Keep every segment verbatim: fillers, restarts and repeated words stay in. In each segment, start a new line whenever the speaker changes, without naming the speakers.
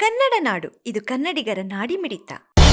ಕನ್ನಡ ನಾಡು, ಇದು ಕನ್ನಡಿಗರ ನಾಡಿಮಿಡಿತ.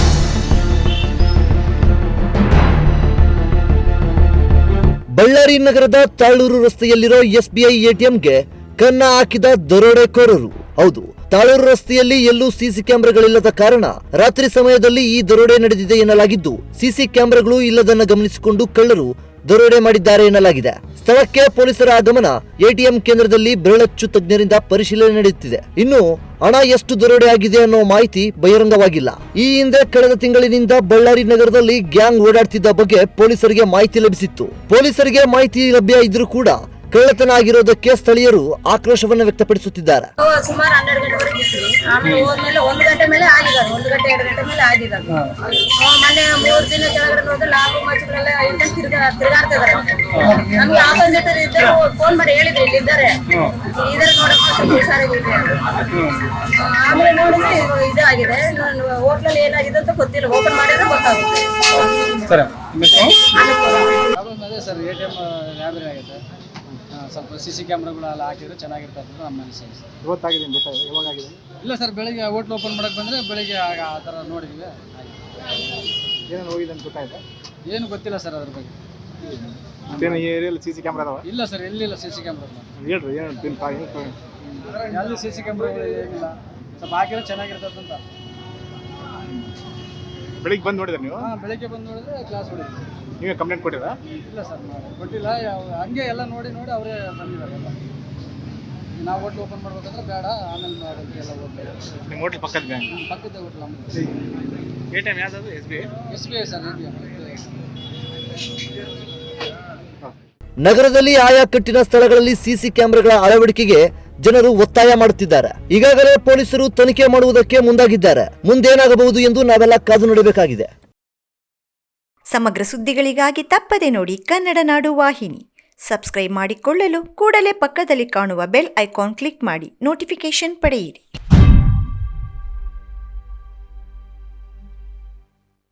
ಬಳ್ಳಾರಿ ನಗರದ ತಾಳೂರು ರಸ್ತೆಯಲ್ಲಿರೋ ಎಸ್ಬಿಐ ಎಟಿಎಂಗೆ ಕನ್ನ ಹಾಕಿದ ದರೋಡೆಕೋರರು. ಹೌದು, ತಾಳೂರು ರಸ್ತೆಯಲ್ಲಿ ಎಲ್ಲೂ ಸಿಸಿ ಕ್ಯಾಮೆರಾಗಳಿಲ್ಲದ ಕಾರಣ ರಾತ್ರಿ ಸಮಯದಲ್ಲಿ ಈ ದರೋಡೆ ನಡೆದಿದೆ ಎನ್ನಲಾಗಿದ್ದು, ಸಿಸಿ ಕ್ಯಾಮೆರಾಗಳು ಇಲ್ಲದನ್ನ ಗಮನಿಸಿಕೊಂಡು ಕಳ್ಳರು ದರೋಡೆ ಮಾಡಿದ್ದಾರೆ ಎನ್ನಲಾಗಿದೆ. ಸ್ಥಳಕ್ಕೆ ಪೊಲೀಸರ ಆಗಮನ, ಎಟಿಎಂ ಕೇಂದ್ರದಲ್ಲಿ ಬೆರಳಚ್ಚು ತಜ್ಞರಿಂದ ಪರಿಶೀಲನೆ ನಡೆಯುತ್ತಿದೆ. ಇನ್ನು ಹಣ ಎಷ್ಟು ದರೋಡೆ ಆಗಿದೆ ಅನ್ನೋ ಮಾಹಿತಿ ಬಹಿರಂಗವಾಗಿಲ್ಲ. ಈ ಹಿಂದೆ ಕಳೆದ ತಿಂಗಳಿನಿಂದ ಬಳ್ಳಾರಿ ನಗರದಲ್ಲಿ ಗ್ಯಾಂಗ್ ಓಡಾಡ್ತಿದ್ದ ಬಗ್ಗೆ ಪೊಲೀಸರಿಗೆ ಮಾಹಿತಿ ಲಭಿಸಿತ್ತು. ಪೊಲೀಸರಿಗೆ ಮಾಹಿತಿ ಲಭ್ಯ ಇದ್ರೂ ಕೂಡ ಕಳ್ಳತನ ಆಗಿರೋದಕ್ಕೆ ಸ್ಥಳೀಯರು ಆಕ್ರೋಶವನ್ನು ವ್ಯಕ್ತಪಡಿಸುತ್ತಿದ್ದಾರೆ.
ಸುಮಾರು ಹನ್ನೆರಡು ಗಂಟೆವರೆಗೆ ಇದ್ವಿ. ಆಮೇಲೆ ಹೋದ್ಮೇಲೆ ಒಂದು ಗಂಟೆ ಮೇಲೆ ಆಗಿದ್ದಾರೆ, ಒಂದು ಗಂಟೆ ಎರಡು ಗಂಟೆ ಮೇಲೆ ಆಗಿದ್ದಾರೆ. ಮೊನ್ನೆ ಮೂರು ದಿನ ಕೆಳಗಡೆ ನೋಡಿದ್ರೆ ಲಾಭ ಮಚ್ಚಗಳೆಲ್ಲ ಇಂದ ತಿರ್ಗಾ ತಿರ್ಗಾಡ್ತಿದ್ದಾರೆ. ನಮ್ಗೆ ಆಪೋಸಿಟ್ ಇದ್ದರು ಫೋನ್ ಮಾಡಿ ಹೇಳಿದ್ರು ಇಲ್ಲಿ ಇದ್ದಾರೆ ಇದಾರೆ ನೋಡಮ್ಮ, ಸ್ವಲ್ಪ ಹುಷಾರಾಗಿದೆ. ಆಮೇಲೆ ನೋಡಿದ್ರೆ ಇದಾಗಿದೆ. ಹೋಟ್ಲಲ್ಲಿ ಏನಾಗಿದೆ ಅಂತ ಗೊತ್ತಿಲ್ಲ, ಓಪನ್ ಮಾಡಿದ್ರೆ ಗೊತ್ತಾಗುತ್ತೆ.
ಅದೇ sir, A T M robbery ಆಗಿದೆ. ಸ್ವಲ್ಪ ಸಿ ಸಿ ಕ್ಯಾಮ್ರಾಗಳೆಲ್ಲ ಹಾಕಿದ್ರೆ ಚೆನ್ನಾಗಿರ್ತದೆ ಅಂತ ನಮ್ಮ ಅನಿಸಿಕೆ ಸರ್.
ಇವತ್ತಾಗಿದೆ ಗೊತ್ತಾಗಿದೆ, ಯಾವಾಗ ಆಗಿದೆ?
ಇಲ್ಲ ಸರ್, ಬೆಳಿಗ್ಗೆ ಹೋಟ್ಲ್ ಓಪನ್ ಮಾಡಕ್ಕೆ ಬಂದರೆ ಬೆಳಿಗ್ಗೆ ಆಗ ಆ ಥರ ನೋಡಿದ್ವಿ.
ಏನೇನು ಹೋಗಿದೆ ಅಂತ ಗೊತ್ತಾಯ್ತಾ?
ಏನು ಗೊತ್ತಿಲ್ಲ ಸರ್ ಅದ್ರ ಬಗ್ಗೆ.
ಏನು ಈ ಏರಿಯಲ್ಲಿ ಸಿ ಸಿ ಕ್ಯಾಮ್ರಾ ಅದಾವ?
ಇಲ್ಲ ಸರ್, ಎಲ್ಲಿಲ್ಲ ಸಿ ಸಿ ಕ್ಯಾಮ್ರಾ.
ಹೇಳ್ರಿ ಏನು ತಿನ್
ಎಲ್ಲಿ ಸಿ ಸಿ ಕ್ಯಾಮ್ರಾಗಳು ಏನಿಲ್ಲ, ಸ್ವಲ್ಪ ಹಾಕಿದ್ರೆ ಚೆನ್ನಾಗಿರ್ತದೆ ಅಂತ.
ಬೆಳಿಗ್ಗೆ ಬಂದು ನೋಡಿದ್ರೆ ನೀವು?
ಹಾಂ, ಬೆಳಿಗ್ಗೆ ಬಂದು ನೋಡಿದ್ರೆ ಕ್ಲಾಸ್ ಹೊಡಿದ್ವಿ.
ನೀವೇ ಕಂಪ್ಲೇಂಟ್ ಕೊಟ್ಟಿರಾ?
ಇಲ್ಲ ಸರ್, ಕೊಟ್ಟಿಲ್ಲ. ಯಾವ ಹಂಗೆ ಎಲ್ಲ ನೋಡಿ ನೋಡಿ ಅವರೇ ಬಂದಿದ್ದಾರೆ ಎಲ್ಲ. ನಾವು ಹೋಟ್ಲ್ ಓಪನ್ ಮಾಡ್ಬೇಕಂದ್ರೆ ಬೇಡ, ಆಮೇಲೆ ಮಾಡೋಕ್ಕೆ ಎಲ್ಲ ಹೋಗ್ಬೇಕು.
ನಿಮ್ಮ ಹೋಟ್ಲ್ ಪಕ್ಕದ ಬ್ಯಾಂಕ್?
ಪಕ್ಕದ ಹೋಟ್ಲ್ ನಮ್ಮದು.
ಎ ಟಿ ಎಮ್ ಯಾವ್ದು? S B I?
S B I sir, A T M.
ನಗರದಲ್ಲಿ ಆಯಾ ಕಟ್ಟಿನ ಸ್ಥಳಗಳಲ್ಲಿ ಸಿಸಿ ಕ್ಯಾಮೆರಾಗಳ ಅಳವಡಿಕೆಗೆ ಜನರು ಒತ್ತಾಯ ಮಾಡುತ್ತಿದ್ದಾರೆ. ಈಗಾಗಲೇ ಪೊಲೀಸರು ತನಿಖೆ ಮಾಡುವುದಕ್ಕೆ ಮುಂದಾಗಿದ್ದಾರೆ. ಮುಂದೇನಾಗಬಹುದು ಎಂದು ನಾವೆಲ್ಲ ಕಾದು ನೋಡಬೇಕಾಗಿದೆ.
ಸಮಗ್ರ ಸುದ್ದಿಗಳಿಗಾಗಿ ತಪ್ಪದೆ ನೋಡಿ ಕನ್ನಡ ನಾಡು ವಾಹಿನಿ. ಸಬ್ಸ್ಕ್ರೈಬ್ ಮಾಡಿಕೊಳ್ಳಲು ಕೂಡಲೇ ಪಕ್ಕದಲ್ಲಿ ಕಾಣುವ ಬೆಲ್ ಐಕಾನ್ ಕ್ಲಿಕ್ ಮಾಡಿ ನೋಟಿಫಿಕೇಶನ್ ಪಡೆಯಿರಿ.